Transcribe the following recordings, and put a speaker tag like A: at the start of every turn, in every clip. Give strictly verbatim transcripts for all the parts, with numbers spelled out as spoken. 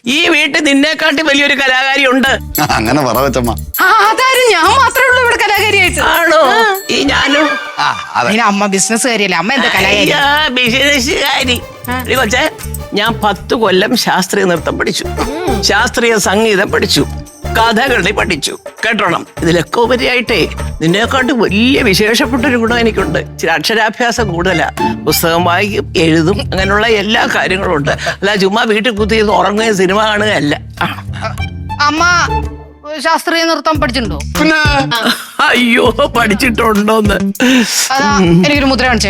A: ഈ വീട്ടിൽ നിന്നെക്കാട്ടി വലിയൊരു കലാകാരി ഉണ്ട്.
B: അങ്ങനെ പറ കൊച്ചമ്മ.
C: അതാരും ഞാൻ മാത്രമേ ഉള്ളൂ ഇവിടെ കലാകാരിയായിട്ട്.
A: ആണോ? ഈ ഞാനും.
C: അമ്മ ബിസിനസ് കാര്യല്ലേ, അമ്മ എന്താ കലാകാരി?
A: ബിസിനസ്സുകാരി കൊച്ചേ, ഞാൻ പത്ത് കൊല്ലം ശാസ്ത്രീയ നൃത്തം പഠിച്ചു, ശാസ്ത്രീയ സംഗീതം പഠിച്ചു, കഥകളി പഠിച്ചു. കേട്ടോണം, ഇതിലൊക്കെ ഉപരിയായിട്ടേ നിന്നെക്കാട്ട് വലിയ വിശേഷപ്പെട്ട ഒരു ഗുണം എനിക്കുണ്ട്. ചില അക്ഷരാഭ്യാസം കൂടുതലാ. പുസ്തകം വായിക്കും, എഴുതും, അങ്ങനെയുള്ള എല്ലാ കാര്യങ്ങളും ഉണ്ട്. അല്ല ചുമ്മാ വീട്ടിൽ കുത്തി ഉറങ്ങുകയും സിനിമ കാണുകയല്ല.
C: അമ്മ ശാസ്ത്രീയ നൃത്തം പഠിച്ചിട്ടുണ്ടോ?
A: അയ്യോ, പഠിച്ചിട്ടുണ്ടോന്ന്.
C: അതാ എനിക്കൊരു മുദ്ര കാണിച്ചേ.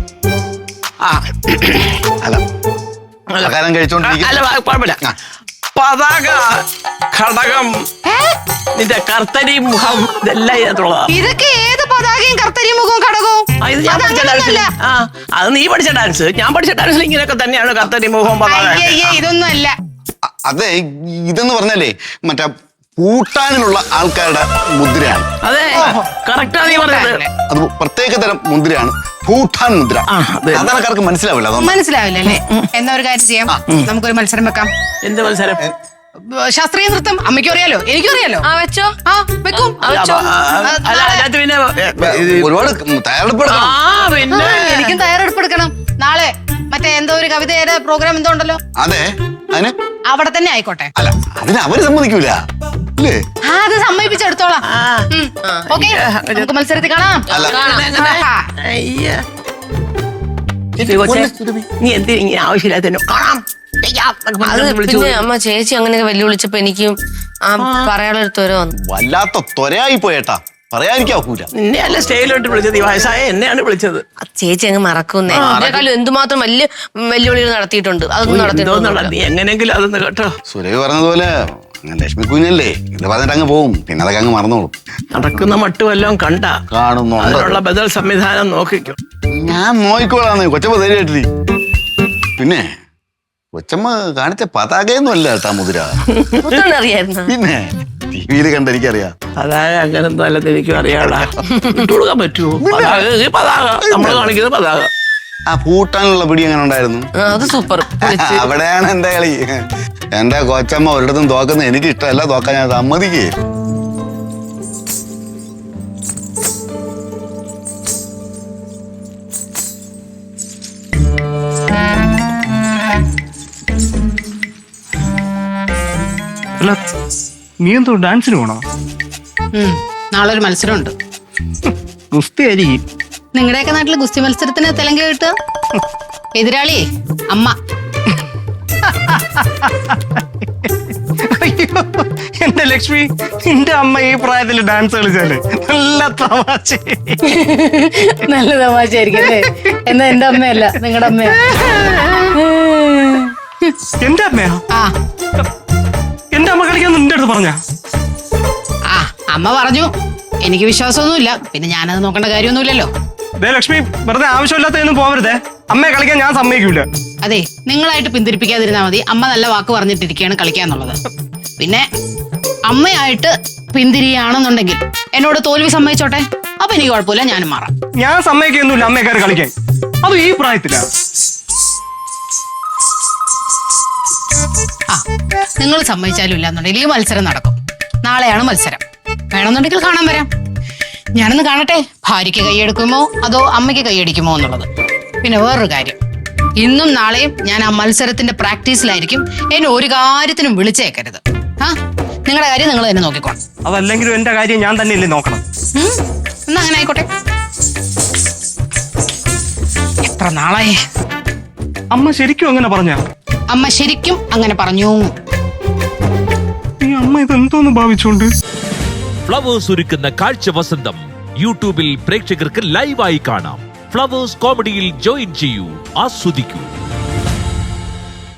B: അല്ല
A: കുഴപ്പമില്ല. പതാക, ഘടകം, നിന്റെ കർത്തരി മുഖം, ഇതെല്ലാം ഇതിനകത്തുള്ളതാ.
C: ഇതൊക്കെ ഏത് പതാകയും കർത്തരി മുഖവും ഘടകവും?
A: അത് നീ പഠിച്ച ഡാൻസ്. ഞാൻ പഠിച്ച ഡാൻസിൽ ഇങ്ങനെയൊക്കെ തന്നെയാണ് കർത്തരി മുഖവും പതാക.
C: ഇതൊന്നും അല്ല.
B: അതെ, ഇതെന്ന് പറഞ്ഞാലേ മറ്റേ പൂട്ടാനിലുള്ള ആൾക്കാരുടെ മുദ്രയാണ്.
A: അതെ, കറക്റ്റാ നീ പറഞ്ഞത്.
B: അത് പ്രത്യേക തരം മുദ്രയാണ്, ഭൂട്ടാൻ മുദ്ര. സാധാരണക്കാർക്ക് മനസ്സിലാവില്ല.
C: മനസ്സിലാവില്ല അല്ലേ? എന്നാ ഒരു കാര്യം ചെയ്യാം, നമുക്കൊരു മത്സരം വെക്കാം.
A: എന്ത് മത്സരം?
C: ശാസ്ത്രീയ നൃത്തം. അമ്മയ്ക്കും അറിയാലോ, എനിക്കും അറിയാലോ.
D: ആ വെച്ചോ.
C: ആ വെക്കും.
A: പിന്നെ
B: ഒരുപാട് തയ്യാറെടുപ്പ്
C: പിന്നെ എനിക്കും തയ്യാറെടുപ്പ് എടുക്കണം. നാളെ മറ്റേ എന്തോ ഒരു കവിതയുടെ പ്രോഗ്രാം എന്തോ ഉണ്ടല്ലോ.
B: അതെ, അതിന്
C: അവിടെ തന്നെ ആയിക്കോട്ടെ.
B: അല്ല, അതിന് അവര് സമ്മതിക്കൂല.
C: അത് സമ്മതിപ്പിച്ചെടുത്തോളാം. ഓക്കെ, നമുക്ക് മത്സരത്തിൽ കാണാം.
A: നീ എന്ത് ഇങ്ങനെ ആവശ്യമില്ലാത്ത കാണാം.
D: പിന്നെ അമ്മ ചേച്ചി അങ്ങനെയൊക്കെ വെല്ലുവിളിച്ചപ്പോ എനിക്കും പറയാനുള്ള ഒരു ത്വര വന്നു.
B: വല്ലാത്ത ത്വരയായി പോയേട്ടാ, പറയാതിരിക്കൂല.
A: നിന്നെ അല്ല സ്റ്റേജിലോട്ട് വിളിച്ചത്, ഈ വയസ്സായ എന്നെയാണ് വിളിച്ചത്.
D: ചേച്ചി അങ്ങ് മറക്കുന്നേ. അതിനേക്കാളും എന്തുമാത്രം വലിയ വെല്ലുവിളികൾ നടത്തിയിട്ടുണ്ട്. അതൊന്നും നടത്തിയിട്ടുണ്ട്.
A: നീ എങ്ങനെയെങ്കിലും അതൊന്ന് കേട്ടോ.
B: സുരഭി പറഞ്ഞതുപോലെ ലക്ഷ്മി കുഞ്ഞല്ലേ, ഇത് പറഞ്ഞിട്ട് അങ്ങ് പോവും, പിന്നെ അതൊക്കെ അങ്ങ് മറന്നോളും.
A: നടക്കുന്ന മട്ടും എല്ലാം കണ്ട
B: കാണുന്നു.
A: അതിനുള്ള ബദൽ സംവിധാനം നോക്കിക്കോ.
B: ഞാൻ നോക്കിക്കോളാന്ന് കൊച്ചമ്മ ധൈര്യമായിട്ടിരി. പിന്നെ കൊച്ചമ്മ കാണിച്ച പതാകയൊന്നും അല്ല കേട്ടാ മുദ്ര.
D: അറിയായിരുന്നു.
B: പിന്നെ ടിവിയിൽ കണ്ട എനിക്കറിയാം.
A: പതാക അങ്ങനെന്തോ അല്ലെന്ന് എനിക്കും അറിയാടാ. ഇട്ടുകൊടുക്കാൻ പറ്റുമോ? പതാക പതാക നമ്മള് കാണിക്കുന്നത് പതാക.
B: ആ പൂട്ടാനുള്ള പിടി എങ്ങനെ ഉണ്ടായിരുന്നു?
D: അത് സൂപ്പർ.
B: അവിടെയാണ് എന്റെ കളി. എന്റെ കൊച്ചമ്മ ഒരിടത്തും തോക്കുന്നത് എനിക്ക് ഇഷ്ടമല്ല, തോക്കാൻ ഞാൻ സമ്മതിക്കേ.
E: അല്ല, നീ എന്തോ ഡാൻസിന് പോണോ?
C: നാളെ ഒരു മത്സരമുണ്ട്.
E: ഗുസ്തി ആയിരിക്കും.
C: നിങ്ങളുടെയൊക്കെ നാട്ടില് ഗുസ്തി മത്സരത്തിന് തെലങ്ക കിട്ടുക. എതിരാളി അമ്മ.
E: അയ്യോ എന്റെ ലക്ഷ്മി, നിന്റെ അമ്മ ഈ പ്രായത്തിൽ ഡാൻസ് കളിച്ചാല് നല്ല തമാശ.
C: നല്ല തമാശയായിരിക്കും അല്ലേ? എന്നാ എന്റെ അമ്മയല്ല, നിങ്ങളുടെ അമ്മയാ.
E: എന്റെ അമ്മയാ?
C: ആ,
E: എന്റെ അമ്മ കളിക്കാൻ നിന്റെ അടുത്ത് പറഞ്ഞ?
C: ആ അമ്മ പറഞ്ഞു. എനിക്ക് വിശ്വാസമൊന്നുമില്ല, പിന്നെ ഞാനത് നോക്കേണ്ട കാര്യമൊന്നുമില്ലല്ലോ.
E: ലക്ഷ്മി, വെറുതെ ആവശ്യമില്ലാത്തൊന്നും പോവരുതേ. അമ്മയെ കളിക്കാൻ ഞാൻ സമ്മതിക്കൂല.
C: അതെ, നിങ്ങളായിട്ട് പിന്തിരിപ്പിക്കാതിരുന്നാ മതി. അമ്മ നല്ല വാക്ക് പറഞ്ഞിട്ടിരിക്കുകയാണ് കളിക്കാന്നുള്ളത്. പിന്നെ അമ്മയായിട്ട് പിന്തിരിയാണെന്നുണ്ടെങ്കിൽ എന്നോട് തോൽവി സമ്മതിച്ചോട്ടെ, അപ്പൊ എനിക്ക് കുഴപ്പമില്ല, ഞാനും മാറാം.
E: ഞാൻ സമ്മതിക്കൊന്നുമില്ല അമ്മയെ കയറി കളിക്കാൻ. അത് ഈ പ്രായത്തിലാ.
C: ആ, നിങ്ങൾ സമ്മതിച്ചാലും ഇല്ലാന്നുണ്ടെങ്കിൽ ഈ മത്സരം നടക്കും. നാളെയാണ് മത്സരം. വേണമെന്നുണ്ടെങ്കിൽ കാണാൻ വരാം. ഞാനൊന്ന് കാണട്ടെ, ഭാര്യയ്ക്ക് കൈയെടുക്കുമോ അതോ അമ്മയ്ക്ക് കൈയടിക്കുമോ എന്നുള്ളത്. പിന്നെ വേറൊരു കാര്യം, ഇന്നും നാളെയും ഞാൻ ആ മത്സരത്തിന്റെ പ്രാക്ടീസിലായിരിക്കും. എന്നെ ഒരു കാര്യത്തിനും വിളിച്ചേക്കരുത്. ആ, നിങ്ങളുടെ കാര്യം നിങ്ങൾ തന്നെ നോക്കിക്കോണം.
E: അതല്ലെങ്കിലും എന്റെ കാര്യം ഞാൻ തന്നെയല്ലേ നോക്കണം.
C: എന്നാ അങ്ങനെ ആയിക്കോട്ടെ. എത്ര നാളായി.
E: അമ്മ ശരിക്കും അങ്ങനെ പറഞ്ഞ?
C: അമ്മ ശരിക്കും അങ്ങനെ പറഞ്ഞു.
E: ഈ അമ്മ ഇതെന്തോന്ന് ഭാവിച്ചോണ്ട്?
F: ഫ്ലവേഴ്സ് ഒരുക്കുന്ന കാഴ്ച വസന്തം യൂട്യൂബിൽ പ്രേക്ഷകർക്ക് ലൈവായി കാണാം. ഫ്ലവേഴ്സ് കോമഡിയിൽ ജോയിൻ ചെയ്യൂ, ആസ്വദിക്കൂ.